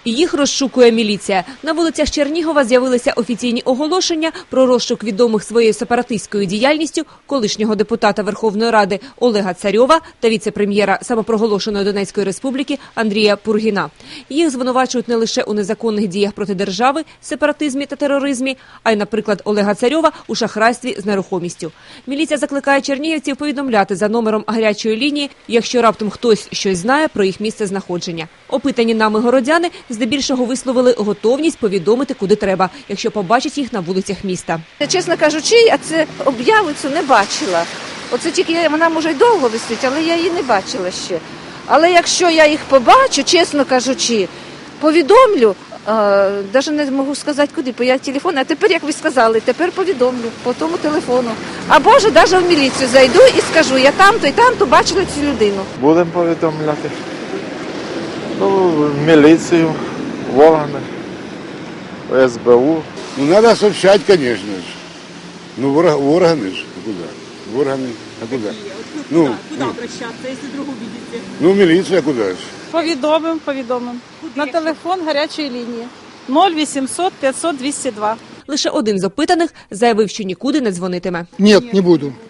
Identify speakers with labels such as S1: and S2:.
S1: Їх розшукує міліція. На вулицях Чернігова з'явилися офіційні оголошення про розшук відомих своєю сепаратистською діяльністю колишнього депутата Верховної Ради Олега Царьова та віце-прем'єра самопроголошеної Донецької Республіки Андрія Пургіна. Їх звинувачують не лише у незаконних діях проти держави, сепаратизмі та тероризмі, а й, наприклад, Олега Царьова у шахрайстві з нерухомістю. Міліція закликає чернігівців повідомляти за номером гарячої лінії, якщо раптом хтось щось знає про їх місце знаходження. Опитані нами городяни здебільшого висловили готовність повідомити, куди треба, якщо побачать їх на вулицях міста.
S2: Чесно кажучи, я це об'яву цю не бачила. Оце тільки вона, може, й довго висить, але я її не бачила ще. Але якщо я їх побачу, чесно кажучи, повідомлю, навіть не можу сказати куди, бо я телефон, а тепер, як ви сказали, тепер повідомлю по тому телефону. Або ж навіть в міліцію зайду і скажу, я там-то і там-то бачила цю людину.
S3: Будемо повідомляти. В міліцію, в органи, в СБУ.
S4: Надо сообщать, конечно же. В органы же. Куда? В органы. А куда?
S5: Куда обращаться, если вдруг увидите?
S4: В милицию, а куда же?
S5: Повідомимо. На телефон гарячої лінії 0800 500 202.
S1: Лише один з опитаних заявив, що нікуди не дзвонитиме.
S6: Нет, не буду.